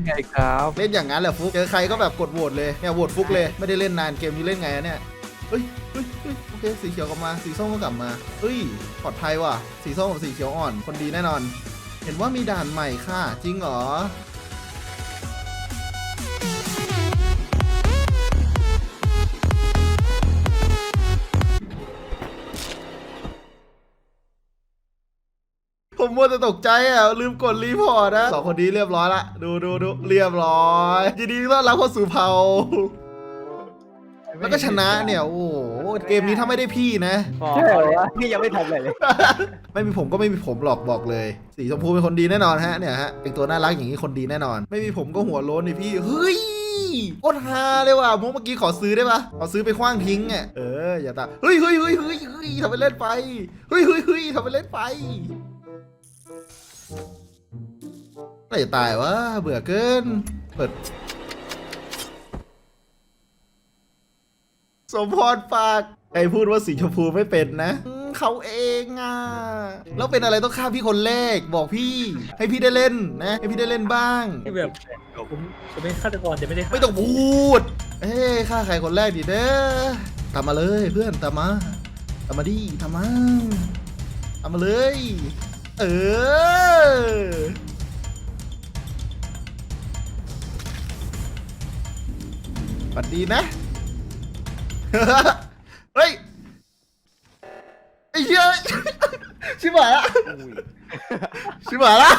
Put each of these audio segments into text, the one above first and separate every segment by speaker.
Speaker 1: ไงครับ
Speaker 2: เล่นอย่างนั้นแหละฟุกเจอใครก็แบบกดโหวตเลยเนี่ยโหวตฟุกเลยไม่ได้เล่นนานเกมนี้เล่นไงเนี่ยเฮ้ยโอเคสีเขียวกลับมาสีส้มก็กลับมาเฮ้ยปลอดภัยว่ะสีส้มกับสีเขียวอ่อนคนดีแน่นอน เห็นว่ามีด่านใหม่ค่ะจริงเหรอผมมัวแต่ตกใจอ่ะลืมกดรีพอร์ตนะสองคนนี้เรียบร้อยละดูเรียบร้อยยินดีต้อนรับเข้าสู่เผ่าแล้วก็ชนะเนี่ยโอ้โหเกมนี้ถ้าไม่ได้พี่นะ
Speaker 1: ใช่เหรอวะพี่ยังไม่ทำอะไรเลย
Speaker 2: ไม่มีผมก็ไม่มีผมหรอกบอกเลยสีชมพูเป็นคนดีแน่นอนฮะเนี่ยฮะเป็นตัวน่ารักอย่างนี้คนดีแน่นอน ไม่มีผมก็หัวโล้นนี่พี่เฮ้ยโคตรฮาเลยว่ะมุกเมื่อกี้ขอซื้อได้ปะขอซื้อไปขว้างทิ้งอ่ะอย่าตาเฮ้ยทำไปเล่นไปเฮ้ยทำไปเล่นไปอะไรจะตายวะเบื่อเกินเปิดสมพรปากใครพูดว่าสีชมพูไม่เป็นนะเขาเองอ่ะแล้วเป็นอะไรต้องฆ่าพี่คนแรกบอกพี่ให้พี่ได้เล่นนะให้พี่ได้เล่นบ้าง
Speaker 3: ที่แบบผมเป็นฆาตกรแต่ไม่ได้ฆ่า
Speaker 2: ไม่ต้องพูดฆ่าใครคนแรกดิเด้อตามมาเลยเพื่อนตามมาดิตามมาเลยฝันดีนะ เฮ้ยไอ้เหี้ยชิบหายละชิบหายละ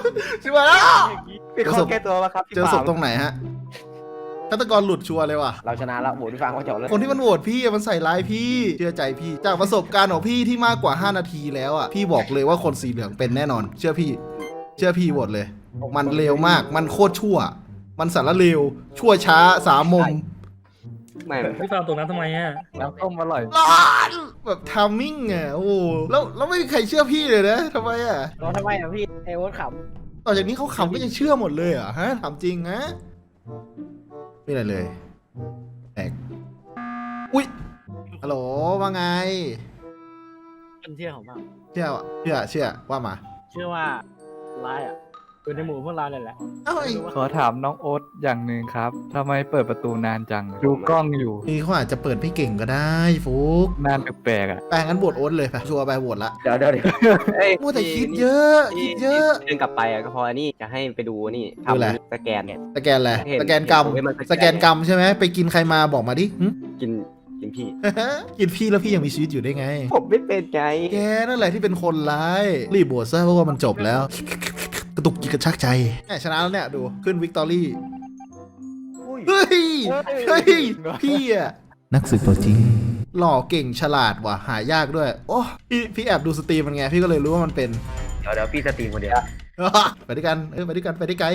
Speaker 1: เป็นคนแก้ตัวมาครับ
Speaker 2: เจอศพตรงไหนฮะฆาตกรหลุดชัวร์เลยว่ะ
Speaker 1: เราชนะแล้วโหวตพี่ฟังว่าจบแล้ว
Speaker 2: คนที่มันโหวตพี่มันใส่ร้ายพี่เชื่อใจพี่จากประสบการณ์ของพี่ที่มากกว่า5นาทีแล้วอ่ะพี่บอกเลยว่าคนสีเหลืองเป็นแน่นอน เชื่อพี่โหวตเลย มันเร็วมากมันโคตรชั่ว มันสารเลวชั่วช้าสามมุม
Speaker 1: ไม่
Speaker 3: พี่ฟาร์มตรงนั้นทำไมอ่ะ
Speaker 1: น้ำต้มอร่อย
Speaker 2: ร้อนแบบทามมิ่งอ่ะโอ้โหแล้วไม่มีใครเชื่อพี่เลยนะทำไมอ่ะ
Speaker 1: เราทำไมอ่ะพี่ไอ้โอ๊ตข
Speaker 2: ต่อจากนี้เขาขำก็ยังเชื่อหมดเลยเหรอ่ะฮะถามจริงนะไม่อะไรเลยแตกอุ๊ยฮัลโหลว่าไง
Speaker 1: ำคนเชื่อของเรา
Speaker 2: เชื่อว่ามา
Speaker 1: เชื่อว่าร้ายอ่ะอยู่ในหมู่พวกเราเลยแหละ
Speaker 2: เอ้ย
Speaker 4: ขอถามน้องโอ๊ตอย่างหนึ่งครับทำไมเปิดประตูนานจัง ดูกล้องอยู่
Speaker 2: นี่เขาอาจจะเปิดพี่เก่งก็ได้ฟุก
Speaker 4: นานแปลกๆอ่ะ
Speaker 2: แปลงั้นโหวตโอ๊ตเลยไปชัวร์ไปโหวตละ
Speaker 1: เดี๋ยว
Speaker 2: มัวแต่คิดเยอะ
Speaker 5: เดินกลับไปก็พออันนี้จะให้ไปดูนี่
Speaker 2: ดูอะไร
Speaker 5: ทำสแกนเนี่ย
Speaker 2: สแกนอะไร
Speaker 5: เห็น
Speaker 2: สแกนกรรม
Speaker 5: เห็นมันสแกน
Speaker 2: สแกนกรรมใช่ไหมไปกินใครมาบอกมาดิหึ
Speaker 5: กินพี่
Speaker 2: กินพี่แล้วพี่ยังมีชีวิตอยู่ได้ไง
Speaker 5: ผมไม่เป็นไง
Speaker 2: แกนั่นแหละที่เป็นคนร้ายรีบโหวตซะเพราะว่ามันจบแล้ว กระตุกจิตกระชากใจชนะแล้วเนี่ยดูขึ้นวิกตอรี่เฮ้ยพี่อะนักสืบตัวจริงหล่อเก่งฉลาดว่ะหายากด้วยโอ้พี่แอบดูสตรีมมันไงพี่ก็เลยรู้ว่ามันเป็น
Speaker 5: เดี๋ยวพี่สตรีมคนเดียว
Speaker 2: ไปด้วยกันไปด้วยกันไปได้ไกล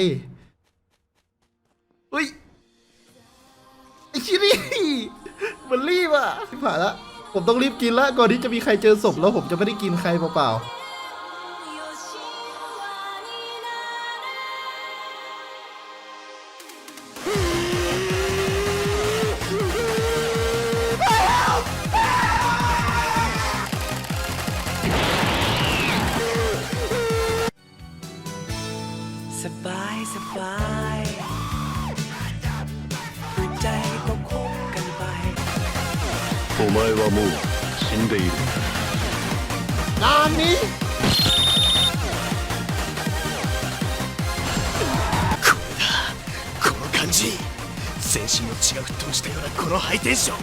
Speaker 2: เฮ้ยไอ้ชินี่มันรีบอ่ะที่ผ่านละผมต้องรีบกินละก่อนที่จะมีใครเจอศพแล้วผมจะไม่ได้กินใครเปล่า
Speaker 6: สบายหัวใจก็คบกันไป
Speaker 7: お前はもう死んでいる
Speaker 2: งานนี้
Speaker 6: この感じ全身の血が沸騰したようなこのハイテンション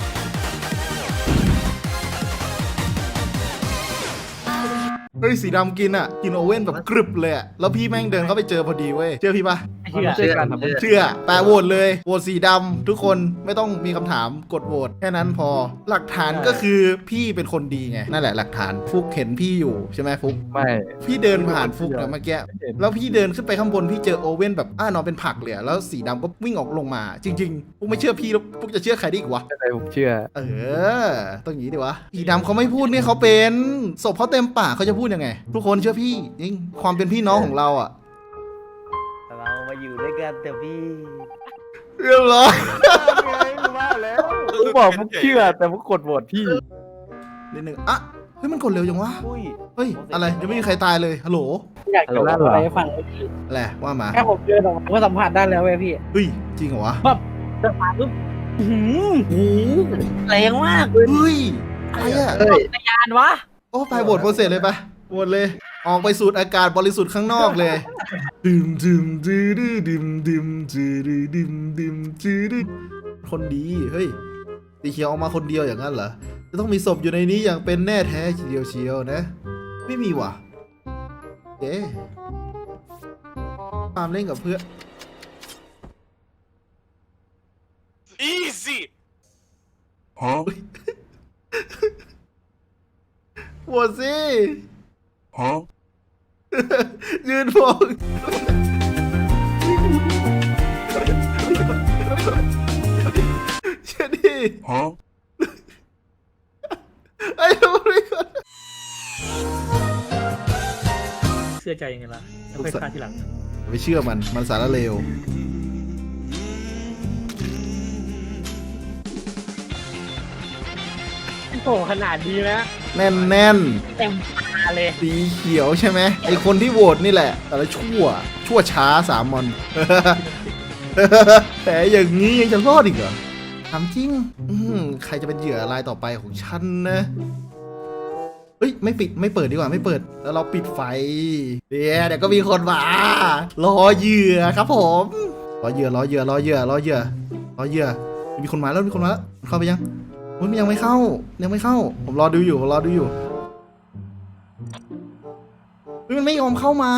Speaker 2: เฮ้ยสีดำกินอ่ะกินโอเว่นแบบกรึบเลยอะแล้วพี่แม่งเดินเข้าไปเจอพอดีเว้ยเชื่อพี่ปะ
Speaker 4: มันไม่ใช่การทำ
Speaker 2: เชื่อแปลโหวตเลยโหวตสีดำทุกคนไม่ต้องมีคำถามกดโหวตแค่นั้นพอหลักฐานก็คือพี่เป็นคนดีไงนั่นแหละหลักฐานฟุกเห็นพี่อยู่ใช่ไหมฟุก
Speaker 4: ไม่
Speaker 2: พี่เดินผ่านฟุกนะเมื่อกี้แล้วพี่เดินขึ้นไปข้างบนพี่เจอโอเว่นแบบนอนเป็นผักเลยอะแล้วสีดำก็วิ่งออกลงมา จริงๆฟุกไม่เชื่อพี่แล้วฟุกจะเชื่อใครได้อีกวะ
Speaker 4: อะไรผมเชื่อ
Speaker 2: ต้องอย่างนี้ดีวะสีดำเขาไม่พูดเนี่ยเขาเป็นศพเขาเต็มปากเขาจะพูดยังไง ทุกคนเชื่อพี่จริงความเป็นพี่น้องของเราอ่ะ
Speaker 1: เรามาอยู่ด้วยกันแต่พี่
Speaker 2: เรียบร้อย
Speaker 1: ว่าแล้ว
Speaker 4: ผมบอกผมเชื่อแต่ผมกดโหวตพี่
Speaker 2: นิดนึงอ่ะฮ้ยมันกดเร็วจังวะ
Speaker 5: อุ้ย
Speaker 2: เฮ้ยอะไรยังไม่มีใครตายเลยฮัลโหล
Speaker 1: อยากจะเล่าอะไรให้ฟังเลยพี่
Speaker 2: อะไรว่ามา
Speaker 1: แค่ผมเดินออกมาก็สัมผัสได้แล้วเว้ยพี่
Speaker 2: เฮ้ยจริงเหรอวะ
Speaker 1: เดินผ่านปุ๊บอื้อหือ
Speaker 2: โอ้โห
Speaker 1: แรงมาก
Speaker 2: เฮ้ยอะไรอ่ะ
Speaker 1: จักรยานวะ
Speaker 2: โอ้ไปโหวตโปรเซสเลยไปโหวตเลย ออกไปสูดอากาศบริสุทธิ์ข้างนอกเลยดื่มดื่มดื่มดื่มดื่มดื่มดื่มดื่มดื่มคนดีเฮ้ยสีเขียวออกมาคนเดียวอย่างนั้นเหรอจะต้องมีศพอยู่ในนี้อย่างเป็นแน่แท้เชียวนะ ไม่มีว่ะเอ๊ะตามเล่นกับเพื่อน
Speaker 6: Easy
Speaker 2: โหวตสิ
Speaker 6: huh
Speaker 2: ยืนมองเช่นนี้
Speaker 6: huh
Speaker 2: ไอ้ทำอะไรกัน
Speaker 3: เชื่อใจยังไงล่ะแล้วค่อยฆ่าทีหลัง
Speaker 2: ไม่เชื่อมันสารเลว
Speaker 1: โอ้ขนาดดีนะ
Speaker 2: แน่นแน่น
Speaker 1: เต็มตาเลย
Speaker 2: สีเขียวใช่ไหมไอคนที่โหวตนี่แหละ แต่ละชั่วช้าสามมอน แต่อย่างนี้ยังจะรอดอีกเหรอถามจริงใครจะเป็นเหยื่อรายต่อไปของฉันนะ เฮ้ยไม่เปิดดีกว่าไม่เปิดแล้วเราปิดไฟเดี๋ยวก็มีคนมารอเหยื่อครับผมรอเหยื่อมีคนมาแล้วเข้าไปยังมันยังไม่เข้าผมรอดูอยู่เฮ้ยมันไม่ยอมเข้ามา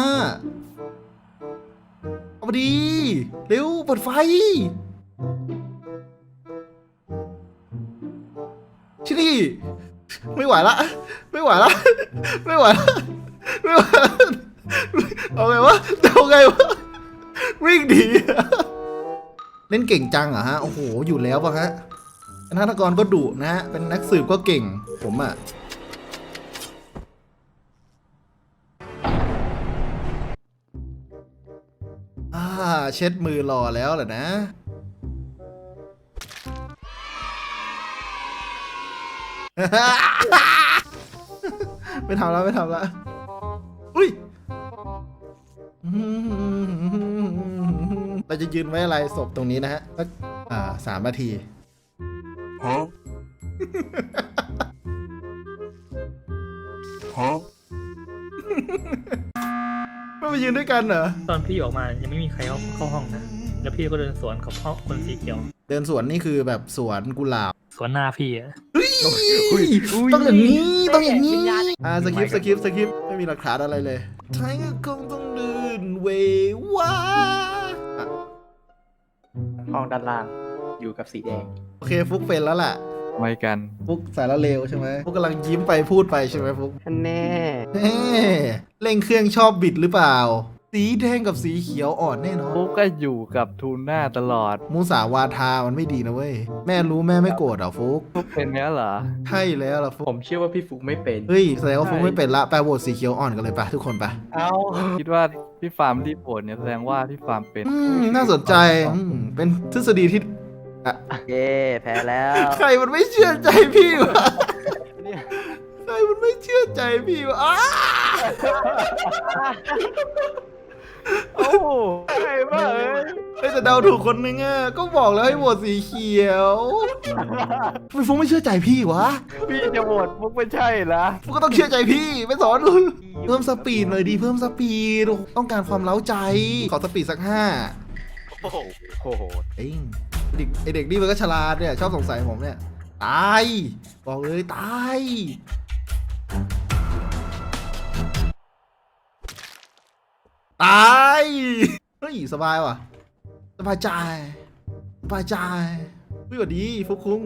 Speaker 2: เอาไปดีเร็วเปิดไฟชิลี่ไม่ไหวละเอาไงวะวิ่งดีเล่นเก่งจังเหรอฮะโอ้โหอยู่แล้วป่ะฮะเป็นฆาตกรก็ดุนะฮะเป็นนักสืบก็เก่งผมอ่ะเช็ดมือรอแล้วเหรอนะไม่ทำแล้วอุ้ยเราจะยืนไว้อะไรศพตรงนี้นะฮะสัก3 นาที
Speaker 6: huh huh
Speaker 2: ไม่มายืนด้วยกันเหรอ
Speaker 3: ตอนพี่ออกมายังไม่มีใครเข้าห้องนะแล้วพี่ก็เดินสวนกับคนสีเขียว
Speaker 2: เดินสวนนี่คือแบบสวนกุหลาบ
Speaker 3: สวนหน้าพี่อะ
Speaker 2: ต้องอย่างนี้สคริปต์ไม่มีหลักฐานอะไรเลยท้ายก็คงต้องเดินเวว่า
Speaker 5: ห้องด้านล่างอยู่กับสีแดง
Speaker 2: โอเคฟุกเป็นแล้วล่ะ
Speaker 4: ทำไมกัน
Speaker 2: ฟุกสารเลวใช่ไหมฟุกกำลังยิ้มไปพูดไปใช่ไหมฟุก
Speaker 5: ท่านแน่
Speaker 2: เร่งเครื่องชอบบิดหรือเปล่า สีแดงกับสีเขียวอ่อนแน่นอน
Speaker 4: ฟุกก็อยู่กับทูน่าตลอด
Speaker 2: มูสาวาทามันไม่ดีนะเว้ยแม่รู้แม่ไม่โกรธเหรอฟุก
Speaker 4: ฟุกเป็นเนี้ยเหรอ
Speaker 2: ใช่แล้วล่ะฟุก
Speaker 5: ผมเชื่อว่าพี่ฟุกไม่เป็น
Speaker 2: เฮ้ยแสดงว่าฟุกไม่เป็นละไปโหวตสีเขียวอ่อนกันเลยปะทุกคนปะ
Speaker 1: เอา
Speaker 4: คิดว่าพี่ฟาร์มรีบโหวตเนี่ยแสดงว่าพี่ฟาร์มเป็น
Speaker 2: น่าสนใจเป็นทฤษฎีที่
Speaker 5: เย้แพ้แล้ว
Speaker 2: ใครมันไม่เชื่อใจพี่วะใครมันไม่เชื่อใจพี่วะอ้า
Speaker 5: โอ้ใครบ้า
Speaker 2: เฮ้ยแต่เดาถูกคนนึงอ่ะก็บอกแล้วให้โหวตสีเขียวทำไมฟุกไม่เชื่อใจพี่วะ
Speaker 4: พี่จะโหวตฟุกไม่ใช่ละ
Speaker 2: ฟุกก็ต้องเชื่อใจพี่ไม่สอนเพิ่มสปีดหน่อยดีเพิ่มสปีดต้องการความเล้าใจขอสปีดสัก5
Speaker 5: โอ้โห
Speaker 2: เอ้ยไอเด็กนี่มันก็ฉลาดเนี่ยชอบสงสัยผมเนี่ยตายบอกเลยตายเฮ้ยสบายว่ะสบายใจพี่สวัสดีฟุกคุง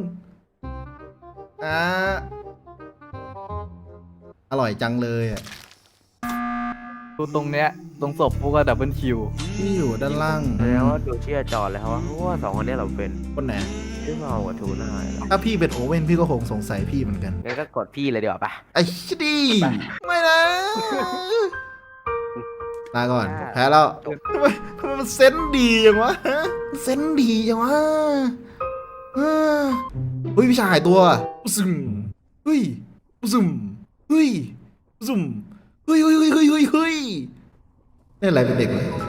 Speaker 2: อร่อยจังเลยอ่ะ
Speaker 4: ดูตรงเนี้ยตรงศพฟุกก็ดับเบิลคิว
Speaker 2: พี่อยู่ด้านล่าง
Speaker 5: แล้วดูเชื่อจอเลยครับว่า2 คนนี้เราเป็น
Speaker 2: คนไหน
Speaker 5: ชื่อเมากับทูน่า
Speaker 2: ถ้าพี่เป็นโอเว่นพี่ก็คงสงสัยพี่เหมือนกัน
Speaker 5: งั้นก็กดพี่เลยดีกว่าปะ
Speaker 2: ไอ้ชิดีไม่นะลาก่อนแพ้แล้วทำไมมันเซนส์ดีจังวะเซนส์ดีจังวะเฮ้ยพี่ชายหายตัวซึมเฮ้ยซึมเฮ้ยซุ่มเฮ้ยเฮ้ยเฮ้ยเฮ้ยเฮ้ยเล่นอะไรเป็นเด็กเลย